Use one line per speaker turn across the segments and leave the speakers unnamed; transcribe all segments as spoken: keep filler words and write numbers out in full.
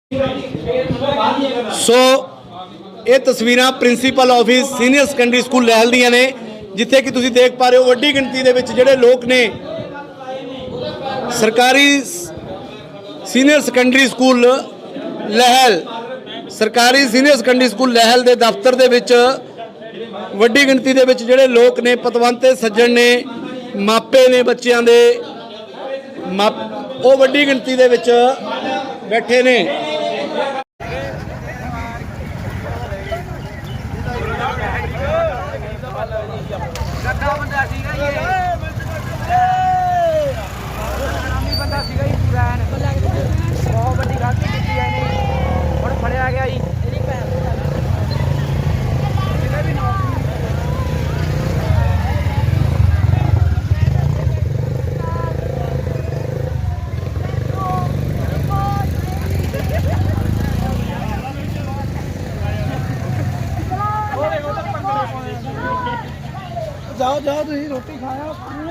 ਸੋ ਇਹ ਤਸਵੀਰਾਂ principal office senior secondary school Lehal ਦੀਆਂ ਨੇ, ਜਿੱਥੇ ਕਿ ਤੁਸੀਂ ਦੇਖ ਪਾ ਰਹੇ ਹੋ ਵੱਡੀ ਗਿਣਤੀ ਦੇ ਵਿੱਚ ਜਿਹੜੇ ਲੋਕ ਨੇ ਸਰਕਾਰੀ ਸੀਨੀਅਰ ਸੈਕੰਡਰੀ ਸਕੂਲ ਲਹਿਲ ਸਰਕਾਰੀ ਸੀਨੀਅਰ ਸੈਕੰਡਰੀ ਸਕੂਲ ਲਹਿਲ ਦੇ ਦਫ਼ਤਰ ਦੇ ਵਿੱਚ ਵੱਡੀ ਗਿਣਤੀ ਦੇ ਵਿੱਚ ਜਿਹੜੇ ਲੋਕ ਨੇ, ਪਤਵੰਤ ਤੇ ਸੱਜਣ ਨੇ, ਮਾਪੇ ਨੇ ਬੱਚਿਆਂ ਦੇ, ਉਹ ਵੱਡੀ ਗਿਣਤੀ ਦੇ ਵਿੱਚ ਬੈਠੇ ਨੇ।
बहुत बड़ी गलती की है और फड़िया गया जी। जाओ जाओ तुम रोटी खाया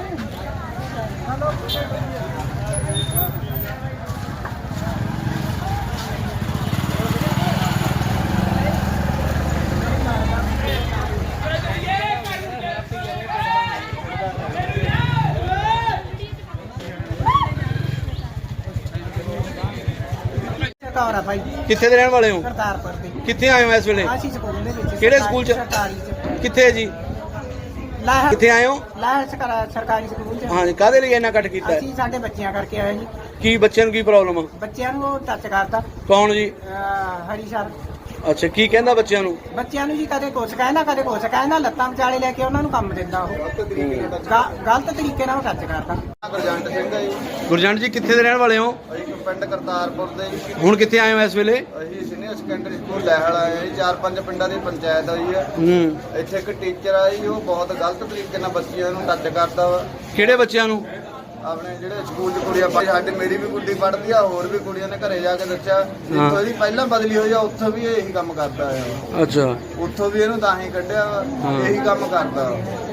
भाई
कित्थे दे रहने वाले हो?
करतारपुर दे।
कित्थे आए हो इस वेले?
आसी स्कूल दे विच।
किहड़े स्कूल च?
सरकारी च।
कित्थे जी?
लाह
कित्थे आए हो?
लाह सरकारी स्कूल च।
हाँ जी, काहदे लिए इन्ना कट कीता है?
ਅਸੀਂ ਸਾਡੇ ਬੱਚਿਆਂ ਕਰਕੇ ਆਏ ਜੀ।
की बच्चों की प्रॉब्लम है?
ਬੱਚਿਆਂ ਨੂੰ ਟੱਚ ਕਰਦਾ
कौन जी?
ਹਰੀ ਸਰ।
अच्छा, की कहंदा बच्चों ਨੂੰ?
ਬੱਚਿਆਂ ਨੂੰ ਜੀ ਕਦੇ ਕੁਛ ਕਹਿੰਦਾ ਕਦੇ ਕੁਛ ਕਹਿੰਦਾ, ਲੱਤਾਂ ਵਿਚਾਲੇ ਲੈ ਕੇ ਉਹਨਾਂ ਨੂੰ ਕੰਮ ਦਿੰਦਾ ਉਹ। ਗ- ਗਲਤ ਤਰੀਕੇ ਨਾਲ ਟੱਚ ਕਰਦਾ।
ਗੁਰਜੰਟ ਸਿੰਘ ਹੈ ਜੀ।
ਗੁਰਜੰਟ ਜੀ ਕਿੱਥੇ ਦੇ ਰਹਿਣ ਵਾਲੇ ਹੋ?
ਅਸੀਂ ਪਿੰਡ ਕਰਤਾਰਪੁਰ ਦੇ ਜੀ।
ਹੁਣ ਕਿੱਥੇ ਆਏ ਹੋ ਇਸ ਵੇਲੇ?
ਅਸੀਂ ਸੀਨੀਅਰ ਸੈਕੰਡਰੀ ਸਕੂਲ ਲਹਿਲ ਆਏ ਹਾਂ ਜੀ। ਚਾਰ ਪੰਜ ਪਿੰਡਾਂ ਦੀ ਪੰਚਾਇਤ ਹੋਈ ਹੈ।
ਹੂੰ।
ਇੱਥੇ ਇੱਕ ਟੀਚਰ ਆ ਜੀ, ਉਹ ਬਹੁਤ ਗਲਤ ਤਰੀਕੇ ਨਾਲ ਬੱਚਿਆਂ ਨੂੰ ਟੱਚ ਕਰਦਾ ਵਾ।
ਕਿਹੜੇ ਬੱਚਿਆਂ ਨੂੰ?
ਆਪਣੇ ਜਿਹੜੇ ਸਕੂਲ 'ਚ ਕੁੜੀਆਂ ਪੜ੍ਹਦੀ, ਸਾਡੇ ਮੇਰੀ ਵੀ ਕੁੜੀ ਪੜ੍ਹਦੀ ਆ, ਹੋਰ ਵੀ ਕੁੜੀਆਂ ਨੇ ਘਰੇ ਜਾ ਕੇ ਦੱਸਿਆ। ਜਿੱਥੋਂ ਇਹਦੀ ਪਹਿਲਾਂ ਬਦਲੀ ਹੋਈ ਆ ਉੱਥੋਂ ਵੀ ਇਹੀ ਕੰਮ ਕਰਦਾ ਆ।
ਅੱਛਾ।
ਉੱਥੋਂ ਵੀ ਇਹਨੂੰ ਤਾਂ ਹੀ ਕੱਢਿਆ ਵਾ, ਇਹੀ ਕੰਮ ਕਰਦਾ।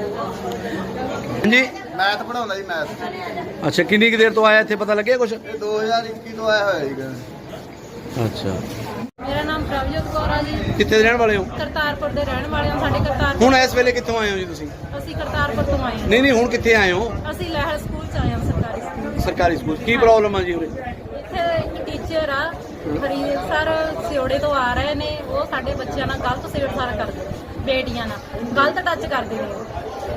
ਜੀ
ਮੈਥ ਪੜਾਉਂਦਾ ਜੀ, ਮੈਥ।
ਅੱਛਾ, ਕਿੰਨੀ ਕੁ ਦੇਰ ਤੋਂ ਆਇਆ ਇੱਥੇ, ਪਤਾ ਲੱਗਿਆ ਕੁਛ?
ਇਹ ਦੋ ਹਜ਼ਾਰ ਇੱਕੀ ਤੋਂ ਆਇਆ ਹੋਇਆ ਜੀ।
ਅੱਛਾ।
ਮੇਰਾ ਨਾਮ ਪ੍ਰਭਜੋਤ ਕੌਰ ਆ ਜੀ।
ਕਿੱਥੇ ਦੇ ਰਹਿਣ ਵਾਲੇ ਹੋ?
ਕਰਤਾਰਪੁਰ ਦੇ ਰਹਿਣ ਵਾਲੇ ਹਾਂ। ਸਾਡੇ ਕਰਤਾਰਪੁਰ
ਹੁਣ ਇਸ ਵੇਲੇ ਕਿੱਥੋਂ ਆਏ ਹੋ ਜੀ ਤੁਸੀਂ?
ਅਸੀਂ ਕਰਤਾਰਪੁਰ ਤੋਂ ਆਏ ਹਾਂ।
ਨਹੀਂ ਨਹੀਂ, ਹੁਣ ਕਿੱਥੇ ਆਏ ਹੋ?
ਅਸੀਂ ਲਹਿਲ ਸਕੂਲ ਚ ਆਏ ਹਾਂ, ਸਰਕਾਰੀ ਸਕੂਲ।
ਸਰਕਾਰੀ ਸਕੂਲ। ਕੀ ਪ੍ਰੋਬਲਮ ਆ ਜੀ ਉਰੇ?
ਇੱਥੇ ਇੱਕ ਟੀਚਰ ਆ ਹਰੀ ਸਰ, ਸਿਓੜੇ ਤੋਂ ਆ ਰਹੇ ਨੇ। ਉਹ ਸਾਡੇ ਬੱਚਿਆਂ ਨਾਲ ਗਲਤ ਛੇੜਛਾੜ ਕਰਦੇ ਨੇ, ਬੇਟੀਆਂ ਨਾਲ ਗਲਤ ਟੱਚ ਕਰਦੇ ਨੇ।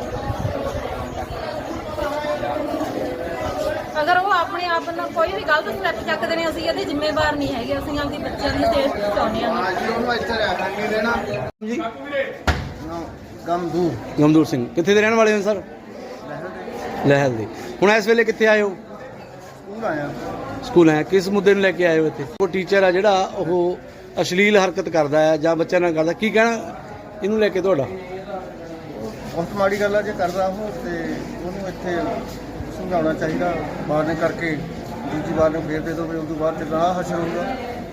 ਅਗਰ ਉਹ ਆਪਣੇ ਆਪ ਨੂੰ ਕੋਈ ਵੀ ਗਲਤ ਸਟੈਪ ਚੱਕਦੇ ਨੇ, ਅਸੀਂ ਇਹਦੇ ਜ਼ਿੰਮੇਵਾਰ ਨਹੀਂ ਹੈਗੇ। ਅਸੀਂ ਆਪਣੀ ਬੱਚਿਆਂ ਦੀ ਸੇਫਟੀ ਚਾਹੁੰਦੇ ਹਾਂ।
ਹਾਂ ਜੀ, ਉਹਨੂੰ ਇੱਥੇ ਰਹਿਣਾ ਨਹੀਂ ਦੇਣਾ
ਜੀ
ਗਮਦੂਰ।
ਗਮਦੂਰ ਸਿੰਘ। ਕਿੱਥੇ ਦੇ ਰਹਿਣ ਵਾਲੇ ਹੋ ਸਰ? ਲਹਿਲ ਦੇ। ਹੁਣ ਇਸ ਵੇਲੇ ਕਿੱਥੇ ਆਏ ਹੋ?
ਸਕੂਲ ਆਇਆ।
ਸਕੂਲ ਆਏ। ਕਿਸ ਮੁੱਦੇ ਨੂੰ ਲੈ ਕੇ ਆਏ ਹੋ ਇੱਥੇ? ਉਹ ਟੀਚਰ ਆ ਜਿਹੜਾ ਉਹ ਅਸ਼ਲੀਲ ਹਰਕਤ ਕਰਦਾ ਹੈ ਜਾਂ ਬੱਚਿਆਂ ਨਾਲ ਕਰਦਾ, ਕੀ ਕਹਿਣਾ ਇਹਨੂੰ ਲੈ ਕੇ ਤੁਹਾਡਾ?
ਬਹੁਤ ਮਾੜੀ ਗੱਲ ਆ ਜੇ ਕਰਦਾ ਉਹ, ਤੇ ਉਹਨੂੰ ਇੱਥੇ ਸਮਝਾਉਣਾ ਚਾਹੀਦਾ। ਮਾਰਨੇ ਕਰਕੇ ਦੂਜੀ ਵਾਰ ਨੂੰ ਫੇਰ ਦੇ ਦੋ, ਉਸ ਤੋਂ ਬਾਅਦ ਚ ਨਾ ਹਸ਼ਰ ਹੋਊਗਾ।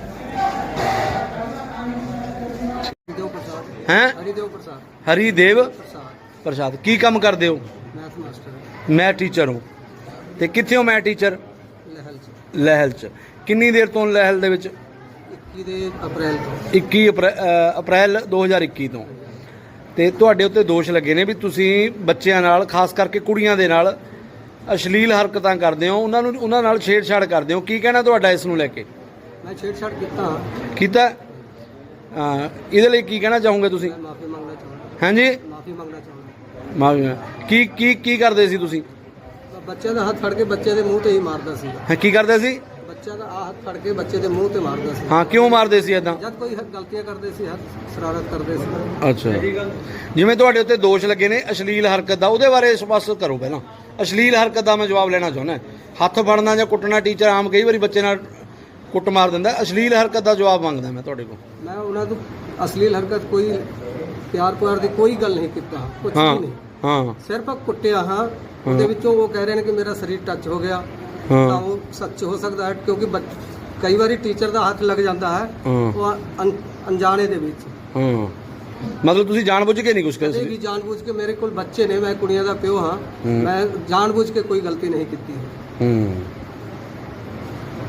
ਹਰੀਦੇਵ ਪ੍ਰਸਾਦ।
ਹੈਂ?
ਹਰੀਦੇਵ ਪ੍ਰਸਾਦ।
ਹਰੀਦੇਵ
ਪ੍ਰਸਾਦ
ਪ੍ਰਸਾਦ। ਕੀ ਕੰਮ ਕਰਦੇ ਹੋ?
ਮੈਥ ਮਾਸਟਰ
ਮੈਂ ਟੀਚਰ ਹਾਂ। ਤੇ ਕਿੱਥੇ ਹੋ? ਮੈਂ ਟੀਚਰ
ਲਹਿਲ ਚ।
ਲਹਿਲ 'ਚ। ਕਿੰਨੀ ਦੇਰ ਤੋਂ ਲਹਿਲ ਦੇ ਵਿੱਚ?
ਇੱਕੀ ਦੇ ਅਪ੍ਰੈਲ ਤੋਂ।
ਇੱਕੀ ਅਪ੍ਰੈ- ਅ, ਅਪ੍ਰੈਲ ਦੋ ਹਜ਼ਾਰ ਇੱਕੀ ਤੋਂ। ਤੇ ਤੁਹਾਡੇ ਉੱਤੇ ਦੋਸ਼ ਲੱਗੇ ਨੇ ਵੀ ਤੁਸੀਂ ਬੱਚਿਆਂ ਨਾਲ, ਖਾਸ ਕਰਕੇ ਕੁੜੀਆਂ ਦੇ ਨਾਲ ਅਸ਼ਲੀਲ ਹਰਕਤਾਂ ਕਰਦੇ ਹੋ, ਉਹਨਾਂ ਨੂੰ ਉਹਨਾਂ ਨਾਲ ਛੇੜਛਾੜ ਕਰਦੇ ਹੋ। ਕੀ ਕਹਿਣਾ ਤੁਹਾਡਾ ਇਸ ਨੂੰ ਲੈ ਕੇ?
ਮੈਂ ਛੇੜਛਾੜ ਕੀਤਾ
ਕੀਤਾ? ਹਾਂ, ਇਹਦੇ ਲਈ ਕੀ ਕਹਿਣਾ ਚਾਹੋਗੇ ਤੁਸੀਂ?
ਮਾਫੀ ਮੰਗਣਾ ਚਾਹੁੰਦਾ।
ਹਾਂਜੀ,
ਮਾਫੀ ਮੰਗਣਾ ਚਾਹੁੰਦਾ।
ਮਾਫੀ। ਕੀ ਕੀ ਕੀ ਕਰਦੇ ਸੀ ਤੁਸੀਂ?
ਬੱਚਿਆਂ ਦਾ ਹੱਥ ਫੜ ਕੇ ਬੱਚੇ ਦੇ ਮੂੰਹ ਤੇ ਹੀ ਮਾਰਦਾ ਸੀ।
ਹਾਂ, ਕੀ ਕਰਦੇ ਸੀ?
ਬੱਚਾ ਦਾ ਆ ਹੱਥ ਫੜ ਕੇ ਬੱਚੇ ਦੇ ਮੂੰਹ ਤੇ ਮਾਰਦਾ ਸੀ।
ਹਾਂ, ਕਿਉਂ ਮਾਰਦੇ ਸੀ ਏਦਾਂ?
ਜਦ ਕੋਈ ਗਲਤੀਆਂ ਕਰਦੇ ਸੀ, ਹੱਥ ਸ਼ਰਾਰਤ ਕਰਦੇ ਸੀ।
ਅੱਛਾ। ਜਿਵੇਂ ਤੁਹਾਡੇ ਉੱਤੇ ਦੋਸ਼ ਲੱਗੇ ਨੇ ਅਸ਼ਲੀਲ ਹਰਕਤ ਦਾ, ਉਹਦੇ ਬਾਰੇ ਸਪਸ਼ਟ ਕਰੋ ਪਹਿਲਾਂ। ਅਸ਼ਲੀਲ ਹਰਕਤ ਦਾ ਮੈਂ ਜਵਾਬ ਲੈਣਾ ਚਾਹੁੰਦਾ। ਹੱਥ ਫੜਨਾ ਜਾਂ ਕੁੱਟਣਾ, ਟੀਚਰ ਆਮ ਕਈ ਵਾਰੀ ਬੱਚੇ ਨਾਲ ਕੁੱਟ ਮਾਰ ਦਿੰਦਾ। ਅਸ਼ਲੀਲ ਹਰਕਤ ਦਾ ਜਵਾਬ ਮੰਗਦਾ ਮੈਂ ਤੁਹਾਡੇ ਕੋਲ।
ਮੈਂ ਉਹਨਾਂ ਤੋਂ ਅਸ਼ਲੀਲ ਹਰਕਤ, ਕੋਈ ਪਿਆਰ ਪਿਆਰ ਦੀ ਕੋਈ ਗੱਲ ਨਹੀਂ ਕੀਤਾ, ਕੁਝ
ਹਾਂ
ਵੀ ਨਹੀਂ।
ਹਾਂ
ਸਿਰਫ ਕੁੱਟਿਆ ਹਾਂ। ਉਹਦੇ ਵਿੱਚੋਂ ਉਹ ਕਹਿ ਰਹੇ ਨੇ ਕਿ ਮੇਰਾ ਸਰੀਰ ਟੱਚ ਹੋ ਗਿਆ।
ਹਾਂ।
ਤਾਂ ਉਹ ਸੱਚ ਹੋ ਸਕਦਾ ਹੈ, ਕਿਉਂਕਿ ਬੱਚ- ਕਈ ਵਾਰੀ ਟੀਚਰ ਦਾ ਹੱਥ ਲੱਗ ਜਾਂਦਾ ਹੈ
ਹਾਂ।
ਉਹ ਅਣ- ਅਣਜਾਣੇ ਦੇ ਵਿੱਚ।
ਹਾਂ, ਮਤਲਬ ਤੁਸੀਂ ਜਾਣਬੁੱਝ ਕੇ ਨਹੀਂ ਕੁਝ
ਕਦੇ
ਕਰਦੇ?
ਵੀ ਜਾਣਬੁੱਝ ਕੇ, ਮੇਰੇ ਕੋਲ ਬੱਚੇ ਨੇ, ਮੈਂ ਕੁੜੀਆਂ ਦਾ ਪਿਓ ਹਾਂ,
ਹੂੰ।
ਮੈਂ ਜਾਣਬੁੱਝ ਕੇ ਕੋਈ ਗਲਤੀ ਨਹੀਂ ਕੀਤੀ।
ਹੂੰ।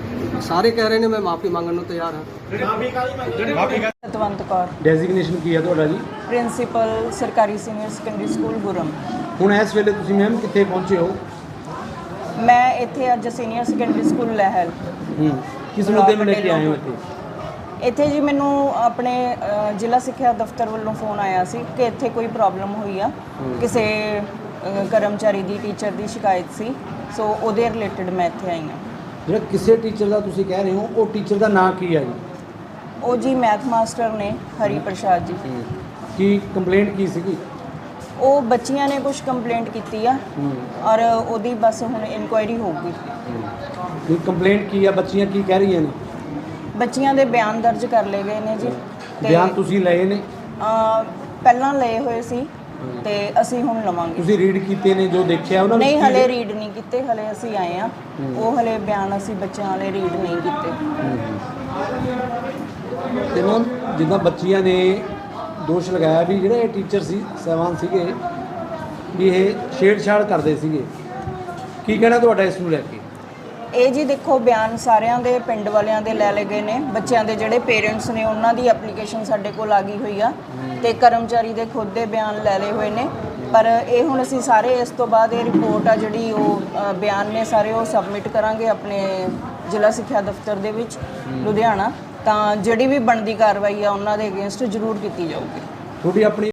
ਸਾਰੇ ਕਹਿ ਰਹੇ ਨੇ ਮੈਂ ਮਾਫੀ ਮੰਗਣ ਨੂੰ ਤਿਆਰ ਹਾਂ।
ਸਤਵੰਤ ਕੌਰ,
ਡੈਜ਼ਿਗਨੇਸ਼ਨ ਕੀ ਹੈ ਤੁਹਾਡਾ ਜੀ?
ਪ੍ਰਿੰਸੀਪਲ ਸਰਕਾਰੀ ਸੀਨੀਅਰ ਸੈਕੰਡਰੀ ਸਕੂਲ ਗੁਰਮ।
ਹੁਣ ਇਸ ਵੇਲੇ ਤੁਸੀਂ ਮੈਮ ਕਿੱਥੇ ਪਹੁੰਚੇ ਹੋ?
ਮੈਂ ਇੱਥੇ ਅੱਜ ਸੀਨੀਅਰ ਸੈਕੰਡਰੀ ਸਕੂਲ ਲਹਿਲ
ਹੂੰ ਕਿਸ ਮੁੱਦੇ ਨੂੰ ਲੈ ਕੇ ਆਏ ਹੋ ਇੱਥੇ?
ਇੱਥੇ ਜੀ ਮੈਨੂੰ ਆਪਣੇ ਅ, ਜ਼ਿਲ੍ਹਾ ਸਿੱਖਿਆ ਦਫ਼ਤਰ ਵੱਲੋਂ ਫੋਨ ਆਇਆ ਸੀ ਕਿ ਇੱਥੇ ਕੋਈ ਪ੍ਰੋਬਲਮ ਹੋਈ ਆ, ਕਿਸੇ ਅ, ਕਰਮਚਾਰੀ ਦੀ, ਟੀਚਰ ਦੀ ਸ਼ਿਕਾਇਤ ਸੀ, ਸੋ ਉਹਦੇ ਰਿਲੇਟਡ ਮੈਂ ਇੱਥੇ ਆਈ ਹਾਂ।
ਜਿਹੜਾ ਕਿਸੇ ਟੀਚਰ ਦਾ ਤੁਸੀਂ ਕਹਿ ਰਹੇ ਹੋ, ਉਹ ਟੀਚਰ ਦਾ ਨਾਂ ਕੀ ਹੈ ਜੀ?
ਉਹ ਜੀ ਮੈਥ ਮਾਸਟਰ ਨੇ ਹਰੀ ਪ੍ਰਸਾਦ ਜੀ।
ਕੀ ਕੰਪਲੇਂਟ ਕੀ ਸੀਗੀ?
ਉਹ ਬੱਚੀਆਂ ਨੇ ਕੁਝ ਕੰਪਲੇਂਟ ਕੀਤੀ ਆ ਔਰ ਉਹਦੀ ਬਸ ਹੁਣ ਇਨਕੁਆਇਰੀ ਹੋਊਗੀ।
ਕੀ ਕੰਪਲੇਂਟ ਕੀ ਆ? ਬੱਚੀਆਂ ਕੀ ਕਹਿ ਰਹੀਆਂ ਨੇ?
ਬੱਚੀਆਂ ਦੇ ਬਿਆਨ ਦਰਜ ਕਰ ਲਏ ਗਏ ਨੇ ਜੀ। ਤੇ
ਬਿਆਨ ਤੁਸੀਂ ਲਏ ਨੇ?
ਅ, ਪਹਿਲਾਂ ਲਏ ਹੋਏ ਸੀ ਤੇ ਅਸੀਂ ਹੁਣ ਲਵਾਂਗੇ।
ਤੁਸੀਂ ਰੀਡ ਕੀਤੇ ਨੇ ਜੋ ਦੇਖਿਆ ਉਹਨਾਂ ਨੂੰ?
ਨਹੀਂ, ਹਲੇ ਰੀਡ ਨਹੀਂ ਕੀਤੇ, ਹਲੇ ਅਸੀਂ ਆਏ ਆ। ਉਹ ਹਲੇ ਬਿਆਨ ਅਸੀਂ ਬੱਚਿਆਂ ਵਾਲੇ ਰੀਡ ਨਹੀਂ ਕੀਤੇ।
ਤੇ ਮੈਮ ਜਿੱਦਾਂ ਬੱਚੀਆਂ ਨੇ ਦੋਸ਼ ਲਗਾਇਆ ਵੀ ਜਿਹੜੇ ਟੀਚਰ ਸੀ ਸਹਿਬਾਨ ਸੀਗੇ ਵੀ ਇਹ ਛੇੜਛਾੜ ਕਰਦੇ ਸੀਗੇ, ਕੀ ਕਹਿਣਾ ਤੁਹਾਡਾ ਇਸ ਨੂੰ ਲੈ ਕੇ?
ਇਹ ਜੀ ਦੇਖੋ, ਬਿਆਨ ਸਾਰਿਆਂ ਦੇ ਪਿੰਡ ਵਾਲਿਆਂ ਦੇ ਲੈ ਲਏ ਗਏ ਨੇ। ਬੱਚਿਆਂ ਦੇ ਜਿਹੜੇ ਪੇਰੈਂਟਸ ਨੇ ਉਹਨਾਂ ਦੀ ਐਪਲੀਕੇਸ਼ਨ ਸਾਡੇ ਕੋਲ ਆ ਗਈ ਹੋਈ ਆ ਤੇ ਕਰਮਚਾਰੀ ਦੇ ਖੁਦ ਦੇ ਬਿਆਨ ਲੈ ਲਏ ਹੋਏ ਨੇ। ਪਰ ਇਹ ਹੁਣ ਅਸੀਂ ਸਾਰੇ ਇਸ ਤੋਂ ਬਾਅਦ ਇਹ ਰਿਪੋਰਟ ਆ ਜਿਹੜੀ ਉਹ ਅ, ਬਿਆਨ ਨੇ ਸਾਰੇ ਉਹ ਸਬਮਿਟ ਕਰਾਂਗੇ ਆਪਣੇ ਜ਼ਿਲ੍ਹਾ ਸਿੱਖਿਆ ਦਫ਼ਤਰ ਦੇ ਵਿੱਚ ਲੁਧਿਆਣਾ, ਤਾਂ ਜਿਹੜੀ ਵੀ ਬਣਦੀ ਕਾਰਵਾਈ ਆ ਉਹਨਾਂ ਦੇ ਅਗੇਂਸਟ ਜ਼ਰੂਰ ਕੀਤੀ ਜਾਊਗੀ।
ਤੁਹਾਡੀ ਆਪਣੀ